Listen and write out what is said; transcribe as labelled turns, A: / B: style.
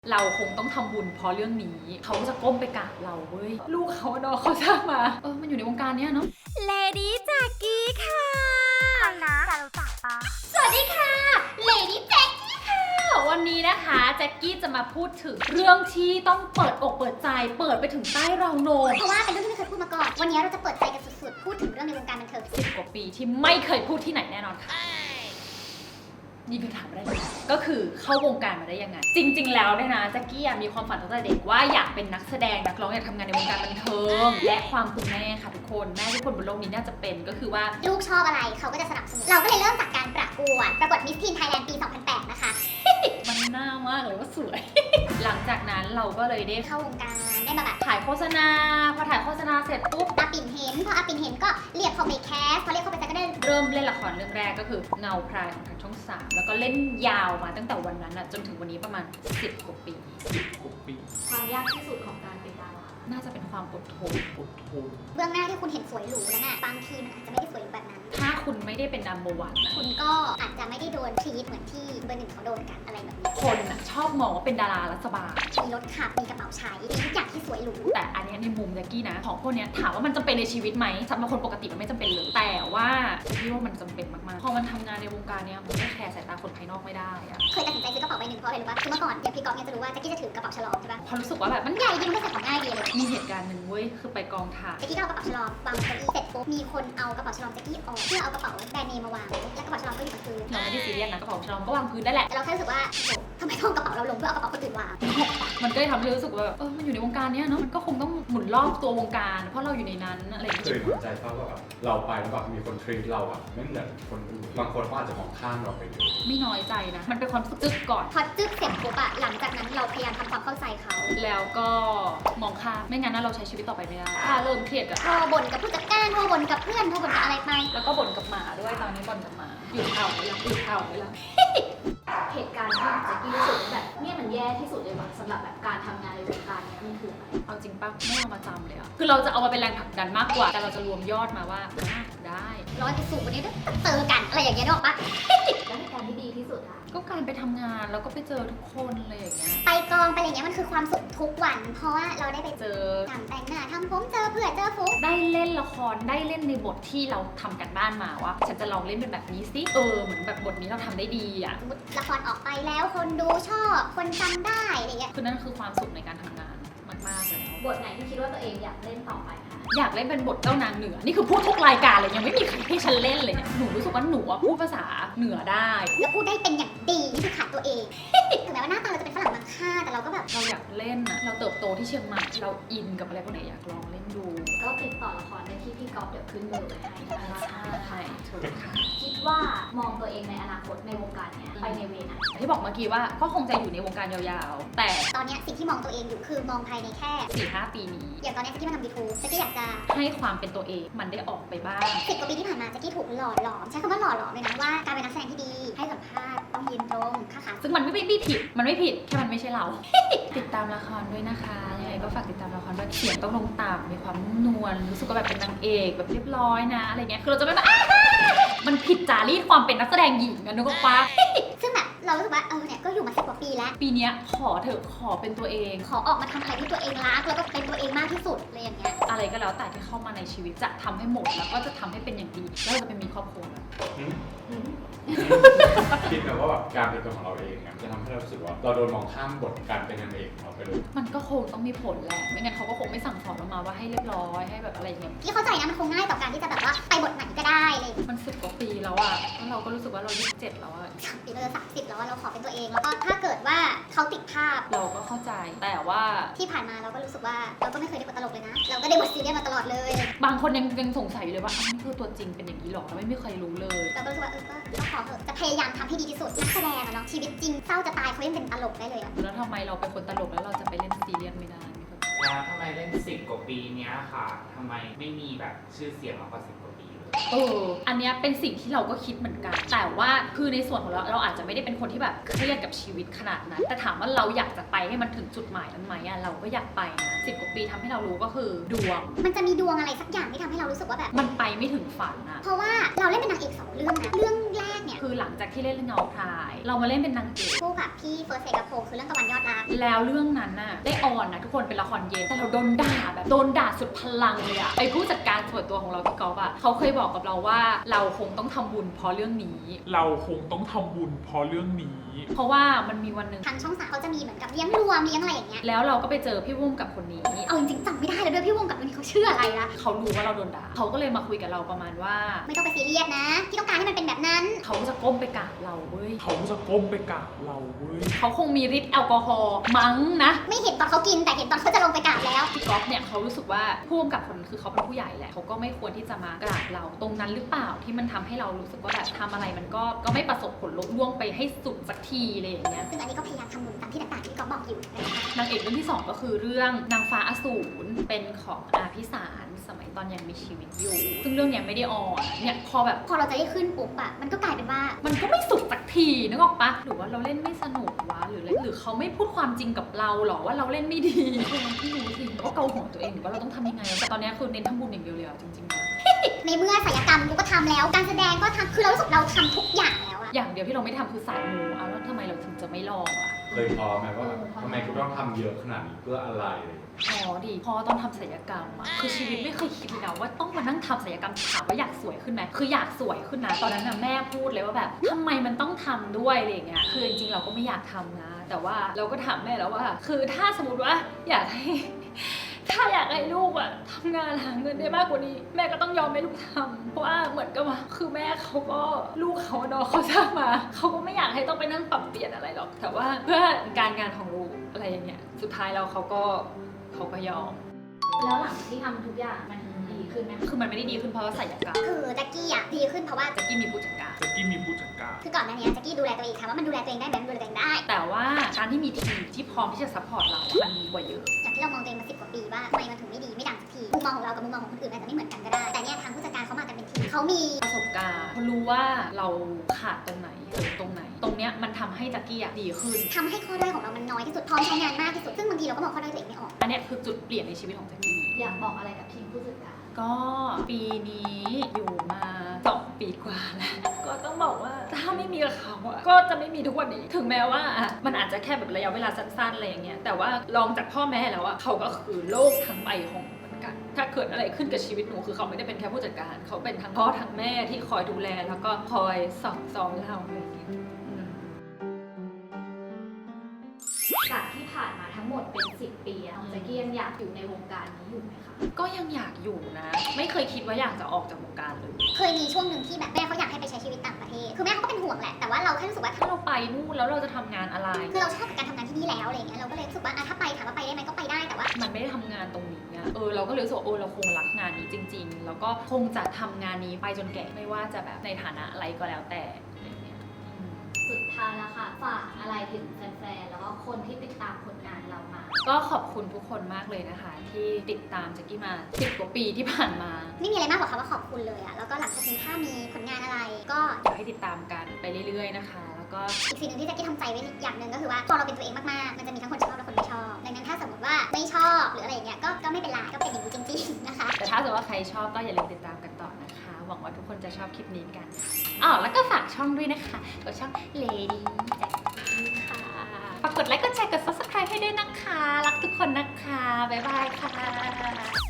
A: เราคงต้องทำบุญเพราะเรื่องนี้เขาจะก้มไปกราบเราเว้ยลูกเขาเนาะเขาสร้างมามันอยู่ในวงการเนี้ยเนาะเลดี้แจ็กกี้ค่ะ
B: นะจะรู้จักปะ
A: สวัสดีค่ะเลดี้แจ็กกี้ค่ะวันนี้นะคะแจ็กกี้จะมาพูดถึงเรื่องที่ต้องเปิดอกเปิดใจเปิดไปถึงใต้เราโหนก
B: เพราะว่าเป็นเรื่องที่ไม่เคยพูดมาก่อนวันนี้เราจะเปิดใจกันสุดๆพูดถึงเรื่องในวงการบันเทิง
A: 10 กว่าปีที่ไม่เคยพูดที่ไหนแน่นอนค่ะนี่คือถามได้เลยก็คือเข้าวงการมาได้ยังไงจริงๆแล้วเนี่ยนะแจ็กกี้มีความฝันตั้งแต่เด็กว่าอยากเป็นนักแสดงนักร้องอยากทำงานในวงการบันเทิงและความคุณแม่ค่ะทุกคนแม่ทุกคนบนโลกนี้น่าจะเป็นก็คือว่า
B: ลูกชอบอะไรเขาก็จะสนับสนุนเราก็เลยเริ่มจากการประกวดมิสทีนไทยแลนด์ปี 2008 นะคะ
A: มันน่ามากเลยว่าสวย หลังจากนั้นเราก็เลยได้
B: เข้าวงการได้มาแบบ
A: ถ่ายโฆษณาพอถ่ายโฆษณาเสร็จปุ๊บ
B: อาปิ่นเห็นพออาปิ่นเห็นก็เรียกเขาไปแคสพอเรียกเขาไปแคสก็ได้
A: เริ่มเล่นละครเรื่องแรกก็คือเงาพรายของทางช่อง 3แล้วก็เล่นยาวมาตั้งแต่วันนั้นจนถึงวันนี้ประมาณ10 กว่าปี
C: ความยากที่สุดของการเป็นดารา
A: น่าจะเป็นความอดทน
B: เบื้องหน้าที่คุณเห็นสวยหรูนั้นบางทีมันอาจจะไม่ได้สวยแบบนั้น
A: ถ้าคุณไม่ได้เป็นnumber one
B: คุณก็อาจจะไม่ได้โดนทรีตเหมือนที่เบอร์ 1เขาโดนกันอะไรแบบนี้
A: คนชอบมองว่าเป็นดารารัฐบาล
B: มีรถขับมีกระเป๋าใช้มีทุกอย่างที่สวยหรู
A: แต่อันนี้ในมุมแจ็กกี้นะของพวกนี้ถามว่ามันจำเป็นในชีวิตไหมสำหรับคนปกติมันไม่จำเป็นเลยแต่ว่าพี่ว่ามันจำเป็นมากๆพอมันทำงานในวงการเนี้ยมันไม่แคร์สายตาคนภายนอกไม่ได้
B: เคยตัดสินใจซื้อกระเป๋าใบหนึ่งเพราะอะไรรู้ป่ะคือเมื่อก่อนอย่างพี่ก๊อฟเนี่ยจะรู้ว่าแจ็กกี้จะถือกระเป๋าฉลองใช่ป่ะ
A: พอรู้สึกว่าแบบ
B: มันใหญ่จริงไม่ใส่ของง่ายดีเลย
A: มีเหตุการณ์หนึ่งเว้ยคือไปกองถ่าย
B: แจ็กกี้ก็เอากระเป๋าฉลองวางบนเก้าอี้เสร็จปุ๊บมีคนเอากระเป๋าฉลองแจ็กกี้ออกเพื่อเอากระเป๋าแบรนด์เนมมาวางแล้วกระเป๋าฉลองก็อยู่บนพื้น
A: เราไม่ได้ซีเรียสนะกระเป๋าฉลองก็วางพื้นได้แหละ
B: แต่เราแค่รู้สึกว่าโอ้ทำไมต้องกระเป๋าเราลงเพื่อเอากระเป๋าคนอื่นวาง
A: มันก็เลยทำให้รู้สึกว่ามันอยู่ในวงการเนี้ยเนาะมันก็คงต้องหมุนรอบตัววงการเพราะเราอยู่ในนั้นอะไรอย่างเงี้ย
D: เคยเข้าใจป่ะว่าแบบเราไปแล้วแบบมีคนทรีตเราไม่เหมือนคนอื่นบางคนก็อาจจะมองข้ามเราไปเลย
A: ไม่น้อยใจนะมันเป็นความจึ๊กก่อน
B: พอจึ๊กเสร็จปุ๊บหลังจากนั้นเราพยายามทำความเข้าใจเขา
A: แล้วก็มองข้ามไม่งั้นเราใช้ชีวิตต่อไปไม่ได้ถ้าเริ่มเครียด
B: โทรบ่นกับผู้จัดการโทรบ่นกับเพื่อนโทรบ่นกับอะไรไป
A: แล้วก็บ่นกับหมาด้วยตอนนี้บ่นกับหมาหยุดเห่าไปแล้วหยุดเห่าไปแล้ว
C: เหตุการณ์ที่แจ็กกี้รู้สึกแบบเนี่ยมันแย่ที่สุดเลยว่ะสำหรับแบบการทำงานในวงการเนี้ยมันคืออะไร
A: เอาจริงป่ะไม่เอามาจำเลยคือเราจะเอามาเป็นแรงผลักดันมากกว่าแต่เราจะรวมยอดมาว่าได้
B: ร้อยไปสู่วันนี้เจอกันอะไรอย่างเงี้ยนึกออกปะ
C: แล้วเหตุการณ์ที่ดีที่สุดอะ
A: ก็การไปทำงานแล้วก็ไปเจอทุกคนอะไรอย่างเงี้ย
B: ไปกองไปอะไรเงี้ยมันคือความสุขทุกวันเพราะว่าเราได้ไป
A: เจอ
B: ทำแต่งหน้าทำผมเจอเพื่อนเจอฟุ๊ก
A: ได้เล่นละครได้เล่นในบทที่เราทำกันบ้านมาว่าฉันจะลองเล่นเป็นแบบนี้สิเหมือนแบบบทนี้เราทำได้ดี
B: ละครออกไปแล้วคนดูชอบคนจำได้อะไรเงี้ย
A: คือนั่นคือความสุขในการทำงานมากๆเลย
C: บทไหนที่คิดว่าตัวเองอยากเล่นต่อไปคะ
A: อยากเล่นเป็นบทเจ้านางเหนือนี่คือพูดทุกรายการเลยยังไม่มีใครให้ฉันเล่นเลยเนี่ยหนูรู้สึกว่าหนูพูดภาษาเหนือได้
B: แล้วพูดได้เป็นอย่างดีนี่คือขาดตัวเองถึงแม้ว่าหน้าตาเราจะเป็นฝรั่งมังค่าแต่เราก็แบบ
A: เราอยากเล่นเราเติบโตที่เชียงใหม่เราอินกับอะไรพวกนี้อยากลองเล่นดู
C: ก็ติดต่อละครได้ที่พี่ก๊อฟเดี๋ยวขึ้นเบอร์ไว้ให้
A: ใช่ถูกค่ะ
C: คิดว่ามองตัวเองในอนาคตในวงการเนี้ยไปในเวไหน
A: ที่บอกเมื่อกี้ว่าก็คงจะอยู่ในวงการยาวๆแต่
B: ตอนนี้สิ่งที่มองตัวเองอยู่คือมองภายในแค่
A: 4-5 ปีนี้
B: อย่างตอนนี้แจ็กกี้มาทำ YouTube แจ็กกี้อยากจะ
A: ให้ความเป็นตัวเองมันได้ออกไปบ้าง
B: 10 กว่าปีที่ผ่านมาแจ็กกี้ถูกหล่อหลอมใช้คำว่าหล่อหลอมเลยนะว่าการเป็นนักแสดงที่ดีให้สัมภาษณ์ต้องยืนตรงค่าขา
A: ซึ่งมันไม่ผิดแค่มันไม่ใช่เรา ติดตามละครด้วยนะคะยังไงก็ฝากติดตามละครด้วยเสียงต้องลงต่ำมีความนวลรู้สึกว่าแบบเป็นนางเอกแบบเรียบร้อยนะอะไรเงี้ยคือเราจะไม่แบบมันผิดจารีตความเป็นนักแสดงหญิงกันนึกออกปะ
B: ซึ่งแบบเรารู้สึกว่าเนี่ยก็อยู่มา10 กว่าปีแล้ว
A: ปีนี้ขอเถอะขอเป็นตัวเอง
B: ขอออกมาทำอะไรที่ตัวเองรักแล้วก็เป็นตัวเองมากที่สุดเลยอย่างเงี้ย
A: อะไรก็แล้วแต่ที่เข้ามาในชีวิตจะทำให้หมดแล้วก็จะทำให้เป็นอย่างดีแล้วเราจะไปมีครอบครัว
D: คิดแบบว่าแบบการเป็นตัวของเราเองจะทำให้เรารู้สึกว่าเราโดนมองข้ามบทการเป็นนางเอกของเราไปเลย
A: มันก็คงต้องมีผลแหละไม่งั้นเขาก็คงไม่สั่งสอนเรามาว่าให้เรียบร้อยให้แบบอะไรอย่างเงี้ย
B: ที่เข้าใจนะมันคงง่ายต่อการที่จะแบบว่าไปบทไหนก็ได้เลย
A: มัน10 กว่าปีแล้วแล้วเราก็รู้สึกว่าเรา27แล้ว
B: ปีเราจะ30แล้วเราขอเป็นตัวเองแล้วก็ถ้าเกิดว่าเขาติดภาพ
A: เราก็เข้าใจแต่ว่า
B: ที่ผ่านมาเราก็รู้สึกว่าเราก็ไม่เคยได้บทตลกเลยนะเราก็ได้บทซีเรียสมาตลอดเลย
A: บางคนยังสงสัยอยู่เลยว่านี่คือตัวจริงเป็นอย่างนี้หรอเราไม่มีใครรู้เลย
B: เราก็รู้สึกว่าก็ขอเถอะจะพยายามทำให้ดีที่สุดนักแสดงเนาะชีวิตจริงเศร้าจะตายเขายังเป็นตลกได้เลย
A: แล้วทำไมเราเป็นคนตลกแล้วเราจะไปเล่นซีเรียสไม่ได้
E: แล้วทำไมเล่น10 กว่าปีเนี้ยค่ะทำไมไม่มีแบบชื่อเสียงมากกว่า10 กว่าปีเลย
A: อันเนี้ยเป็นสิ่งที่เราก็คิดเหมือนกัน แต่ว่าคือในส่วนของเราอาจจะไม่ได้เป็นคนที่แบบเครียดกับชีวิตขนาดนั้นแต่ถามว่าเราอยากจะไปให้มันถึงจุดหมายนั้นไหมอะเราก็อยากไปนะ10 กว่าปีทำให้เรารู้ก็คือดวง
B: มันจะมีดวงอะไรสักอย่างที่ทำให้เรารู้สึกว่าแบบ
A: มันไปไม่ถึงฝันอะ
B: เพราะว่าเราเล่นเป็นนางเอก2 เรื่องนะ เรื่องแรกเนี่ย
A: คือหลังจากที่เล่นเรื่องเงาพราย เรามาเล่นเป็นนางเอก
B: คู่กับพี่เฟิร์สเซกับโพคือเรื่องตะวันยอดรัก
A: แล้วเรื่องนั้นน่ะได้ออนนะทุกคนเป็นละครเย็นแต่เราโดนด่าแบบโดนด่าสุดพลังเลยอะไอผู้จัดการส่วนตัวของเราพี่กอล์ฟอะเขาเคยบอกกับเราว่าเราคงต้องทำบุญเพราะเรื่องนี้
E: เราคงต้องทำบุญเพราะเรื่องนี้
A: เพราะว่ามันมีวันหนึ่ง
B: ทางช่อง3เขาจะมีเหมือนกับเลี้ยงรวมเลี้ยงอะไรอย่างเงี้ย
A: แล้วเราก็ไปเจอพี่วุ้มกับคนนี้
B: เอาจริงๆจำไม่ได้แล้วด้วยพี่วงกับคนนี้เขาชื่ออะไรละ
A: เขารู้ว่าเราโดนด่าเขาก็เลยมาคุยกับเราประมาณว่า
B: ไม่ต้องไปซีเรียสนะที่ต้องการให้มันเป็นแบบนั้น
A: เขาจะก้มไปกราบเราเว้ย
E: เขาจะก้มไปกราบเราเว้ย
A: เขาคงมีฤทธิ์แอลกอฮอล์มั้งนะ
B: ไม่เห็นตอนเขากินแต่เห็นตอนเขาจะลงไปกราบแล้ว
A: พี่ก๊อฟเนี่ยเขารู้สึกว่าผู้กำกับคนคือเขาเป็นผู้ใหญ่แหละเขาก็ไม่ควรที่จะมากราบเราตรงนั้นหรือเปล่าที่มันทำให้เรารู้สึกว่าแบบทำอะไรมันก็ไม่ประสบผลลุล่วงไปให้สุดสักทีอะไรอย่างเงี้ย
B: ซึ่งอันนี้ก็พยายามทำบุญตามที่ต่างๆที่ก๊อฟบอกอยู่นะคะ
A: นางเอกเรื่องที่ 2 ก็คือเรื่องนางฟ้าอสูรเป็นของอาพิสารสมัยตอนยังมีชีวิตอยู่ ซึ่งเรื่องเนี้ยไม่ได้ออนเนี่ยพอแบบ
B: พอเราจะได้ขึ้นปุ๊บอะมันก็กลายเป็นว่า
A: มันก็ไม่สุดสักทีนึกออกปะหรือว่าเราเล่นไม่สนุกวะหรืออะไรหรือเขาไม่พูดความจริงกับเราหรอว่าเราเล่นไม่ดีไม่รู้สิก็เกาหัวตัวเองหรือว่าเราต้องทำยังไงแต่ตอนเนี้ยคือเน้นทำบุญอย่างเดียวเลยอะจริงๆนะ
B: ในเมื่อศิลปกรรมกูก็ทำแล้ว การแสดงก็ทำคือเรารู้สึกเราทำทุกอย่างแล้วอะ
A: อย่างเดียวที่เราไม่ทำคือสายมูเอาแล้วทำไมเราถึงจะไม่ลองอะ
D: เคยท้อไหมว่าทำไมกูต้องทำเยอะขนาดนี้เพื่ออะไร
A: อ๋อดีพอตอนทำศัลยกรรมอะคือชีวิตไม่เคยคิดเลยนะว่าต้องมานั่งทำศัลยกรรมถามว่าอยากสวยขึ้นไหมคืออยากสวยขึ้นนะตอนนั้นนะแม่พูดเลยว่าแบบทำไมมันต้องทำด้วยอะไรอย่างเงี้ยคือจริงๆเราก็ไม่อยากทำนะ แต่ว่าเราก็ถามแม่แล้วว่า คือถ้าสมมติว่าอยากให้ ถ้าอยากให้ลูกอะทำงานหาเงินได้มากกว่านี้ แม่ก็ต้องยอมให้ลูกทำเพราะว่าเหมือนกับว่าคือแม่เขาก็ลูกเขาเนาะเขาสร้างมาเขาก็ไม่อยากให้ต้องไปนั่งปรับเปลี่ยนอะไรหรอกแต่ว่าเพื่อการงานของลูกอะไรอย่างเงี้ยสุดท้ายแล้วเขาก็ยอม
C: แล้วหลังจากที่ทำทุกอย่างมันดีขึ้นไหม
A: คือมันไม่ได้ดีขึ้นเพราะว่าศัลยกรรม
B: คือแจ็คกี้อะดีขึ้นเพราะว่า
A: แจ็คกี้มีผู้จัดการ
E: แจ็คกี้มีผู้จัดการ
B: คือก่อนหน้านี้แจ็คกี้ดูแลตัวเองค่ะว่ามันดูแลตัวเองได้ไหมมันดูแลตัวเองได้
A: แต่ว่าการที่มีทีมที่พร้อมที่จะซัพพอร์ตเรามันดีกว่าเยอะ
B: อย่างที่เรามองตัวเองมา10 กว่าปีว่าทำไมมันถึงไม่ดีไม่ดังสักทีมุมมองของเรากับมุมมองของคนอื่นอาจจะไม่เหมือนกันก็ได้ แต่เนี่ยทางผู้จัดการเขามากันเป็นทีมเขามี
A: ประสบการณ์เขารู้ว่าเราขาดตรงไหนเสริมตรงไหน ตรงเนี้ยมันทำให้แจ็คกี้อะดีขึ้น
B: ทำให้ข้อด้อยของเรามันน้อยที่สุดพร้อมใช้งานมากที่สุดซึ่งบางทีเราก็มองข้อด้อยตัวเองไม่ออก
A: อันเนี้ยคือจุดเปลี่ยนในชีวิตของแจ็คกี้
C: อยากบอกอะไรกับทีมผู้จัดการ
A: ก็ปีนี้อยู่มา2 ปีกว่าแล้วก็ต้องบอกว่าถ้าไม่มีกับเขาอะก็จะไม่มีทุกวันนี้ ถึงแม้ว่ามันอาจจะแค่แบบระยะเวลาสั้นๆอะไรอย่างเงี้ยแต่ว่าลองจากพ่อแม่แล้วอะเขาก็คือโลกทั้งใบของเหมือนกันถ้าเกิดอะไรขึ้นกับชีวิตหนูคือเขาไม่ได้เป็นแค่ผู้จัดการเขาเป็นทั้งพ่อทั้งแม่ที่คอยดูแลแล้วก็คอยสอนเราอะไรอย่างเงี้ยอืม
C: จากที่ผ่านมาทั้งหมดเป็น10 ปีอะแจ็คกี้ยังอยากอยู่ในวงการนี้อยู่ไหมคะ
A: ก็ยังอยากอยู่นะ ไม่เคยคิดว่าอยากจะออกจากวงการเลย
B: เคยมีช่วงหนึ่งที่แบบแม่เขาอยากให้ไปใช้ชีวิตต่างประเทศคือแม่เขาก็เป็นห่วงแหละแต่ว่าเราแค่รู้สึกว่า
A: ถ้าเราไปนู่นแล้วเราจะทำงานอะไร
B: คือเราชอบกับการทำงานที่นี่แล้วอะไรเงี้ยเราก็เลยรู้สึกว่าถ้าไปถามว่าไปได้ไหมก็ไปได้แต่ว่า
A: มันไม่ได้ทำงานตรงนี้อะเราก็เลยรู้สึกว่าเราคงรักงานนี้จริง ๆ แล้วก็คงจะทำงานนี้ไปจนแก่ไม่ว่าจะแบบในฐานะอะไรก็แล้วแต่อะไรเงี้ยอืม
C: สุดท้ายแล้วค่ะฝากอะไรถึงแฟนๆแล้วก็คนที่ติดตามผลงานเรามา
A: ก็ขอบคุณทุกคนมากเลยนะคะ ที่ติดตามแจ็คกี้มา10 กว่าปีที่ผ่านมา
B: ไม่มีอะไรมากกว่าคำว่าขอบคุณเลยอะแล้วก็หลังจากนี้ถ้ามีผลงานอะไรก็
A: อยากให้ติดตามกันไปเรื่อยๆนะคะ แล้วก็
B: อีกสิ่งหนึ่งที่แจ็คกี้ทำใจไว้อย่างหนึ่งก็คือว่าพอเราเป็นตัวเองมากๆ มันจะมีทั้งคนชอบและคนไม่ชอบ ดังนั้นถ้าสมมติว่าไม่ชอบหรืออะไรอย่างเงี้ยก็ไม่เป็นไรก็เป็นอย่างนี้จริงๆนะคะ
A: แต่ถ้าสมมติว่าใครชอบก็อย่าลืมติดตามกันต่อนะคะ หวังว่าทุกคนจะชอบคลิปนี้กันอ๋อแล้วก็ฝากช่องด้วยนะคะกับช่อง Lady Jackie ค่ะฝากกดไลค์กดแชร์กด subscribe ให้ด้วยนะคะ รักทุกคนนะคะ บ๊ายบายค่ะ